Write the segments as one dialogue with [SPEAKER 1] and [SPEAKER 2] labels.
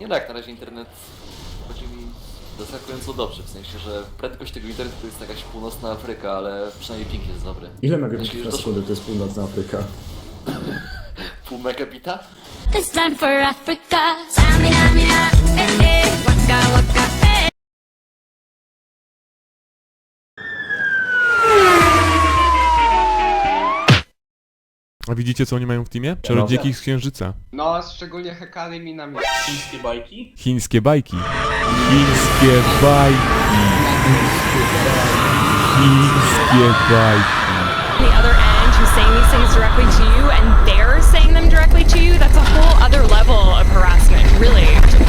[SPEAKER 1] Nie tak, na razie internet chodzi mi zaskakująco dobrze, w sensie, że prędkość tego internetu to jest jakaś północna Afryka, ale przynajmniej ping jest dobry.
[SPEAKER 2] Ile megabitów
[SPEAKER 1] Jeśli
[SPEAKER 2] na
[SPEAKER 1] już
[SPEAKER 2] sekundę to jest północna Afryka?
[SPEAKER 1] Pół megabita?
[SPEAKER 3] It's time for Africa. Samina, mina, eh, eh, waka, waka, eh.
[SPEAKER 4] A widzicie, co oni mają w teamie? Czarodziejki z Księżyca.
[SPEAKER 5] No, szczególnie Hekary minami.
[SPEAKER 6] Chińskie bajki?
[SPEAKER 4] Chińskie bajki. Chińskie bajki. Chińskie bajki.
[SPEAKER 7] the other end who's saying these things directly to you and they're saying them directly to you, that's a whole other level of harassment, really.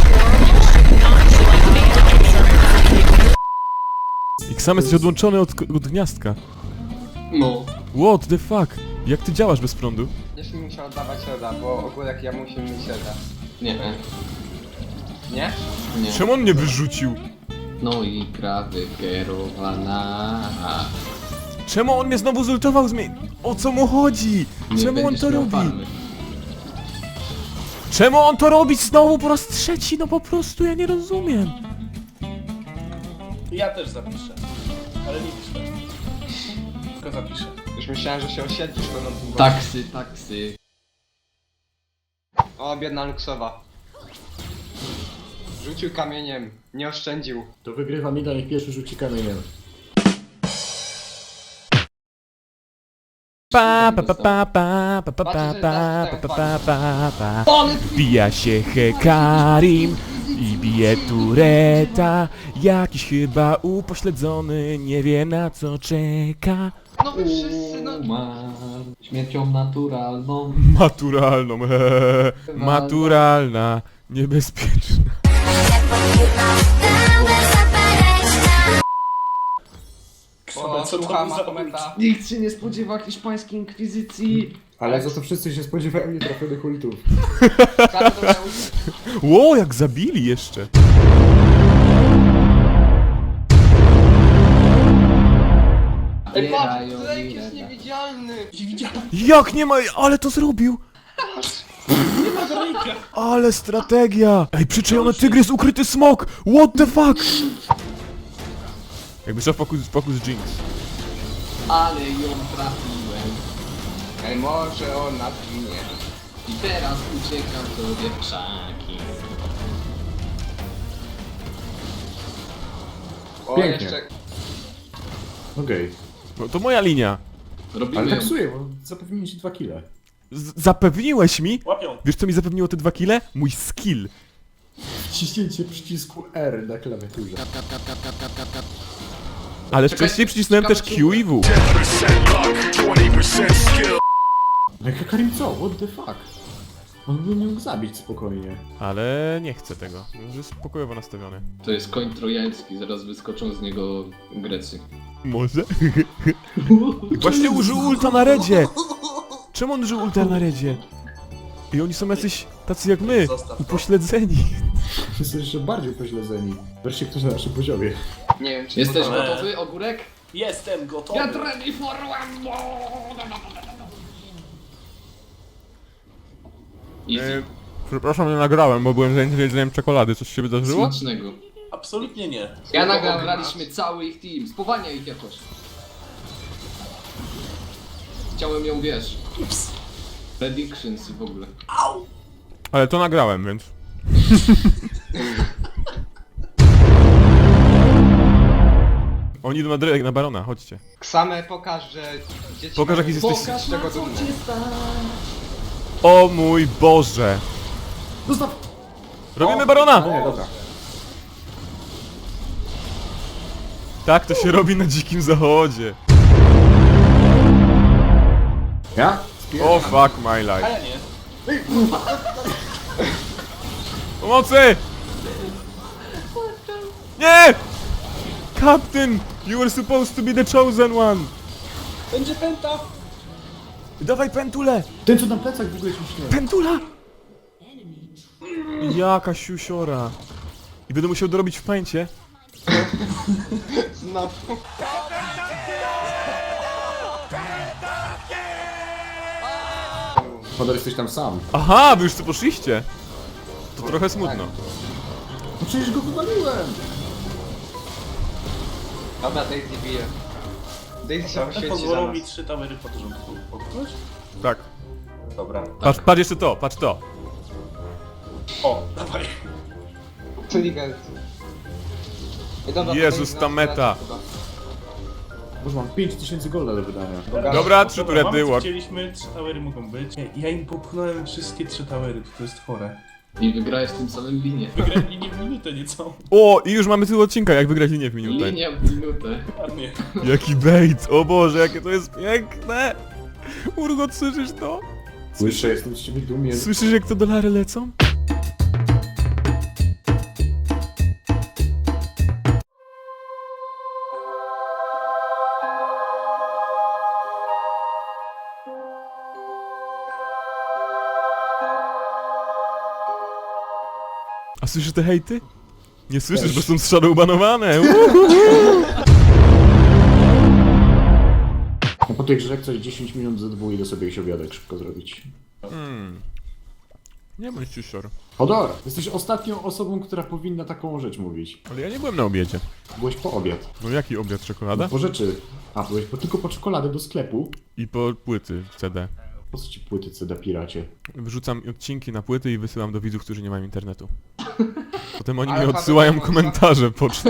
[SPEAKER 4] I sam jesteś odłączony od gniazdka.
[SPEAKER 5] No.
[SPEAKER 4] What the fuck? Jak ty działasz bez prądu?
[SPEAKER 5] Będziesz mi musiał oddawać roda, bo ogórek ja muszę mieć roda.
[SPEAKER 8] Nie,
[SPEAKER 5] Nie?
[SPEAKER 8] nie.
[SPEAKER 4] Czemu on mnie wyrzucił?
[SPEAKER 8] No i gra wykierowana.
[SPEAKER 4] Czemu on mnie znowu zultował O co mu chodzi?
[SPEAKER 8] Nie
[SPEAKER 4] Czemu on
[SPEAKER 8] będziesz
[SPEAKER 4] to
[SPEAKER 8] miał
[SPEAKER 4] robi?
[SPEAKER 8] farmy.
[SPEAKER 4] Czemu on to robi znowu po raz trzeci? No po prostu ja nie rozumiem.
[SPEAKER 6] Ja też zapiszę. Ale nie piszę. Tylko zapiszę.
[SPEAKER 5] Już myślałem, że się osiedlisz to na tym.
[SPEAKER 8] Taksy.
[SPEAKER 5] O, biedna Luksowa. Rzucił kamieniem, nie oszczędził.
[SPEAKER 2] To wygrywa Mida, niech pierwszy rzuci kamieniem.
[SPEAKER 4] Pa pa pa pa pa pa pa pa pa pa pa pa pa. Bija się Hekarim i bije Tureta. Jakiś chyba upośledzony, nie wie na co czeka.
[SPEAKER 5] No wy wszyscy, no.
[SPEAKER 8] Umarł śmiercią naturalną.
[SPEAKER 4] Maturalną, hehehe. Maturalna, niebezpieczna.
[SPEAKER 5] O,
[SPEAKER 6] Co to
[SPEAKER 5] słucha
[SPEAKER 6] był za
[SPEAKER 5] Mahometa.
[SPEAKER 8] Nikt się nie spodziewa hiszpańskiej inkwizycji.
[SPEAKER 2] Ale za to wszyscy się spodziewają nietrafionych ultów.
[SPEAKER 4] Ło, jak zabili jeszcze.
[SPEAKER 5] Ej, patrz,
[SPEAKER 8] Bierają
[SPEAKER 5] Drake
[SPEAKER 8] mi
[SPEAKER 5] jest
[SPEAKER 8] reda.
[SPEAKER 5] niewidzialny.
[SPEAKER 4] Jak nie ma, ale to zrobił. Ale strategia. Ej, przyczajony tygrys, ukryty smok. What the fuck? Jakby szedł fokus Jinx.
[SPEAKER 8] Ale ją trafiłem.
[SPEAKER 5] Ej, może ona zginie.
[SPEAKER 8] I teraz uciekam sobie w krzaki.
[SPEAKER 5] O,
[SPEAKER 2] Pięknie.
[SPEAKER 5] jeszcze...
[SPEAKER 2] Okej.
[SPEAKER 4] No to moja linia.
[SPEAKER 8] Robimy
[SPEAKER 2] Ale
[SPEAKER 8] ją.
[SPEAKER 2] taksuję, bo zapewniłem ci 2 kile.
[SPEAKER 4] Zapewniłeś mi?
[SPEAKER 6] Łapią.
[SPEAKER 4] Wiesz co mi zapewniło te 2 kile? Mój skill.
[SPEAKER 2] Wciśnięcie przycisku R na klawiaturze.
[SPEAKER 4] Ale
[SPEAKER 8] Czekaj,
[SPEAKER 4] wcześniej przycisnąłem też
[SPEAKER 8] ciekawe,
[SPEAKER 4] Q i W.
[SPEAKER 2] No Hekarim co? What the fuck? On by mógł zabić spokojnie.
[SPEAKER 4] Ale nie chcę tego. Już jest pokojowo nastawiony.
[SPEAKER 8] To jest koń trojański, zaraz wyskoczą z niego Grecy.
[SPEAKER 4] Może? Właśnie użył ulta na redzie! Czemu on użył ulta na redzie? I oni są jacyś tacy jak my,
[SPEAKER 6] Zostaw to.
[SPEAKER 4] upośledzeni.
[SPEAKER 2] Wszyscy jeszcze bardziej upośledzeni. Wreszcie ktoś na naszym poziomie.
[SPEAKER 5] Nie wiem, czy...
[SPEAKER 8] Jesteś
[SPEAKER 6] Gotowe.
[SPEAKER 8] gotowy, ogórek?
[SPEAKER 6] Jestem gotowy.
[SPEAKER 8] Get ready for one. Easy.
[SPEAKER 4] Przepraszam, nie nagrałem, bo byłem zajęty jedzeniem czekolady. Coś się wydarzyło?
[SPEAKER 8] Smacznego.
[SPEAKER 6] Absolutnie nie.
[SPEAKER 8] Ja nagraliśmy cały ich team. Spowalnia ich jakoś. Chciałem ją, wiesz. Predictions i w ogóle.
[SPEAKER 4] Ale to nagrałem, więc... Oni idą na Barona, chodźcie.
[SPEAKER 5] Ksame, pokaż, że dzieci...
[SPEAKER 4] Pokaż, jaki jesteś...
[SPEAKER 5] z tego dumny.
[SPEAKER 4] O mój Boże!
[SPEAKER 2] Zostaw!
[SPEAKER 4] Robimy Barona!
[SPEAKER 2] No nie, dobra.
[SPEAKER 4] Tak to się robi na dzikim zachodzie.
[SPEAKER 2] Ja?
[SPEAKER 4] O fuck my life.
[SPEAKER 6] A ja nie.
[SPEAKER 4] Pomocy! Nie! Captain! You were supposed to be the chosen one!
[SPEAKER 6] Będzie pęta.
[SPEAKER 4] Dawaj pentulę!
[SPEAKER 2] Ten co na plecach w ogóle się śmieje.
[SPEAKER 4] Pentula! Jaka siusiora. I będę musiał dorobić w pęcie.
[SPEAKER 5] Znowu.
[SPEAKER 2] Podar jesteś tam sam.
[SPEAKER 4] Aha, wy już tu poszliście. To trochę smutno.
[SPEAKER 2] No przecież go wywaliłem!
[SPEAKER 5] Dobra, Daisy bije. Daisy się
[SPEAKER 6] Te
[SPEAKER 5] poświęci za
[SPEAKER 6] pozwolą
[SPEAKER 5] nas.
[SPEAKER 6] mi 3 towery pod rząd popchnąć?
[SPEAKER 4] Tak.
[SPEAKER 6] Dobra.
[SPEAKER 4] Patrz jeszcze to, patrz to.
[SPEAKER 6] O, dawaj.
[SPEAKER 5] Inteligentny. Ej, dobra,
[SPEAKER 4] Jezus,
[SPEAKER 5] Daisy
[SPEAKER 4] ta
[SPEAKER 5] nas
[SPEAKER 4] meta.
[SPEAKER 5] traci chyba.
[SPEAKER 2] Boże, mam 5000 golda do wydania.
[SPEAKER 4] Dobra, 3 turety,
[SPEAKER 6] mamy co
[SPEAKER 4] łak.
[SPEAKER 6] chcieliśmy, 3 towery mogą być. Nie, ja im popchnąłem wszystkie 3 towery, to jest chore.
[SPEAKER 8] I wygrałeś w tym samym linie.
[SPEAKER 6] Wygrałem linię w minutę niecałą.
[SPEAKER 4] O, i już mamy tył odcinka, jak wygrać linię w minutę.
[SPEAKER 8] Linia w minutę.
[SPEAKER 6] Ładnie.
[SPEAKER 4] Jaki bait, o Boże, jakie to jest piękne! Urgot, słyszysz to?
[SPEAKER 2] Słyszę, jestem z ciebie dumien.
[SPEAKER 4] Słyszysz, jak to dolary lecą? A słyszysz te hejty? Nie słyszysz, bo są shadowbanowane!
[SPEAKER 2] No po tej grze jak coś 10 minut ze 2 idę sobie jakiś obiadek szybko zrobić.
[SPEAKER 4] Nie bądź ciusior.
[SPEAKER 2] Hodor! Jesteś ostatnią osobą, która powinna taką rzecz mówić.
[SPEAKER 4] Ale ja nie byłem na obiedzie.
[SPEAKER 2] Byłeś po obiad.
[SPEAKER 4] No jaki obiad, czekolada?
[SPEAKER 2] Po rzeczy. A, byłeś tylko po czekoladę do sklepu.
[SPEAKER 4] I po płyty CD.
[SPEAKER 2] Po co ci płyty CD piracie?
[SPEAKER 4] Wrzucam odcinki na płyty i wysyłam do widzów, którzy nie mają internetu. Potem oni
[SPEAKER 5] Ale
[SPEAKER 4] mi
[SPEAKER 5] Paweł
[SPEAKER 4] odsyłają
[SPEAKER 5] Wąsa?
[SPEAKER 4] komentarze pocztą.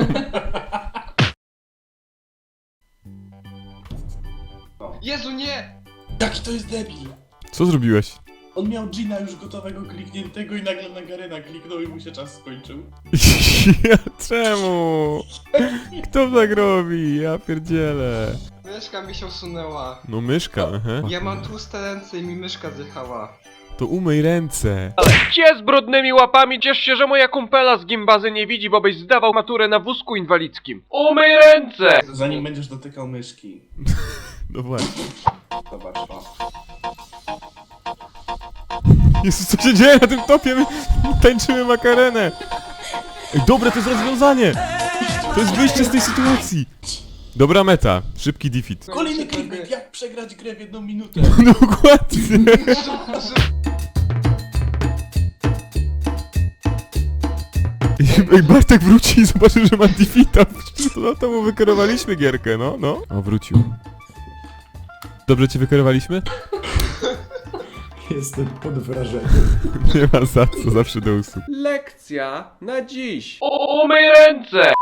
[SPEAKER 5] Jezu, nie!
[SPEAKER 6] Jaki to jest debil!
[SPEAKER 4] Co zrobiłeś?
[SPEAKER 6] On miał Gina już gotowego, klikniętego i nagle na Garyna kliknął i mu się czas skończył.
[SPEAKER 4] Ja, czemu? Kto tak robi? Ja pierdzielę.
[SPEAKER 5] Myszka mi się usunęła.
[SPEAKER 4] No myszka, aha.
[SPEAKER 5] Ja mam tłuste ręce i mi myszka zjechała.
[SPEAKER 4] To umyj ręce.
[SPEAKER 9] Cie z brudnymi łapami, ciesz się, że moja kumpela z gimbazy nie widzi, bo byś zdawał maturę na wózku inwalidzkim. Umyj ręce!
[SPEAKER 6] Zanim będziesz dotykał myszki.
[SPEAKER 4] No właśnie.
[SPEAKER 6] Zobacz, o.
[SPEAKER 4] Jezus, co się dzieje na tym topie? My tańczymy makarenę. Ej, dobre, to jest rozwiązanie. To jest wyjście z tej sytuacji. Dobra meta. Szybki defeat.
[SPEAKER 6] Kolejny clickbait, jak przegrać grę w 1 minutę?
[SPEAKER 4] Dokładnie. Ej, Bartek wróci i zobaczy, że ma defeata. To mu wykierowaliśmy gierkę, no, no. O, wrócił. Dobrze cię wykierowaliśmy?
[SPEAKER 2] Jestem pod wrażeniem.
[SPEAKER 4] Nie ma za co, zawsze do usług.
[SPEAKER 9] Lekcja na dziś. Umyj ręce!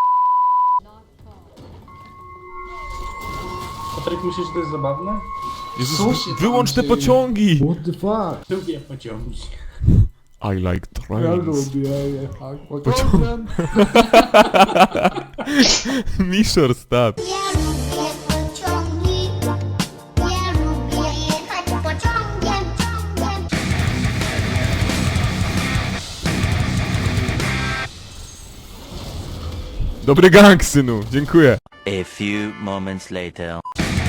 [SPEAKER 6] Patryk, myślisz, że to jest zabawne?
[SPEAKER 4] Jezus,
[SPEAKER 8] Co się tam
[SPEAKER 4] wyłącz te
[SPEAKER 8] dzieje?
[SPEAKER 4] pociągi!
[SPEAKER 2] What the fuck?
[SPEAKER 6] Lubię pociągi.
[SPEAKER 4] I like
[SPEAKER 2] Ja
[SPEAKER 4] trains.
[SPEAKER 2] lubię jechać pociągiem.
[SPEAKER 4] Mishor stat.
[SPEAKER 3] Ja lubię pociągi. Ja lubię jechać pociągiem.
[SPEAKER 4] Dobry gang, synu, dziękuję.
[SPEAKER 10] A few moments later.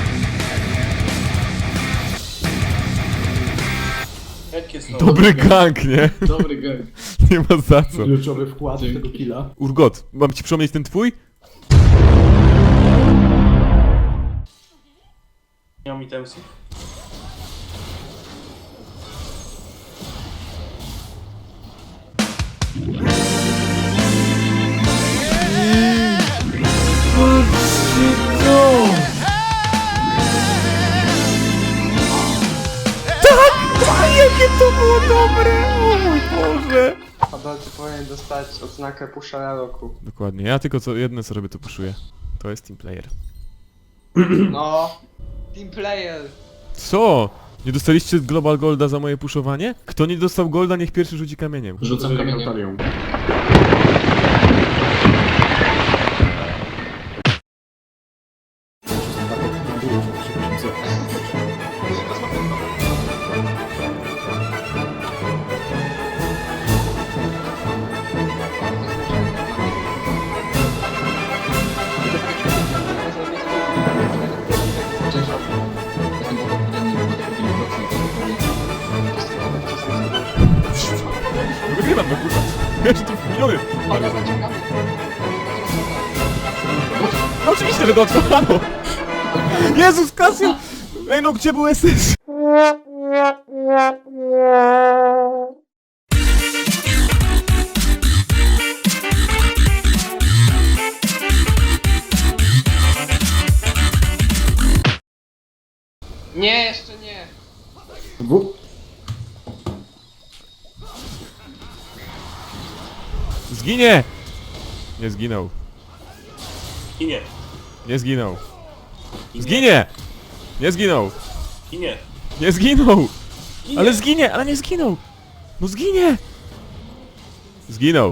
[SPEAKER 6] Jak jest
[SPEAKER 4] Dobry gang, nie?
[SPEAKER 8] Dobry gang.
[SPEAKER 4] Nie ma za co.
[SPEAKER 2] Kluczowy wkład w tego killa.
[SPEAKER 4] Urgot, mam ci przypomnieć ten twój?
[SPEAKER 6] Nie mam itemsów.
[SPEAKER 4] Jakie to było dobre! O mój Boże!
[SPEAKER 5] Hodor, ty powinien dostać odznakę puszera roku.
[SPEAKER 4] Dokładnie, ja tylko jedno co robię to puszuję. To jest team player.
[SPEAKER 5] No. Team player.
[SPEAKER 4] Co? Nie dostaliście Global Golda za moje puszowanie? Kto nie dostał Golda, niech pierwszy rzuci kamieniem.
[SPEAKER 8] Rzucam kamieniem.
[SPEAKER 2] Talią.
[SPEAKER 4] Wygrywam, no kurwa. Ja się tu wpiliony. No oczywiście, że to otworano. Jezus, Kasio! Ej no, gdzie był SS?
[SPEAKER 5] Nie, jeszcze nie.
[SPEAKER 4] Zginie! Nie zginął.
[SPEAKER 6] Ginie.
[SPEAKER 4] Nie zginął. Zginie! Nie zginął.
[SPEAKER 6] Ginie.
[SPEAKER 4] Nie zginął! Ale zginie, ale nie zginął! No zginie! Zginął.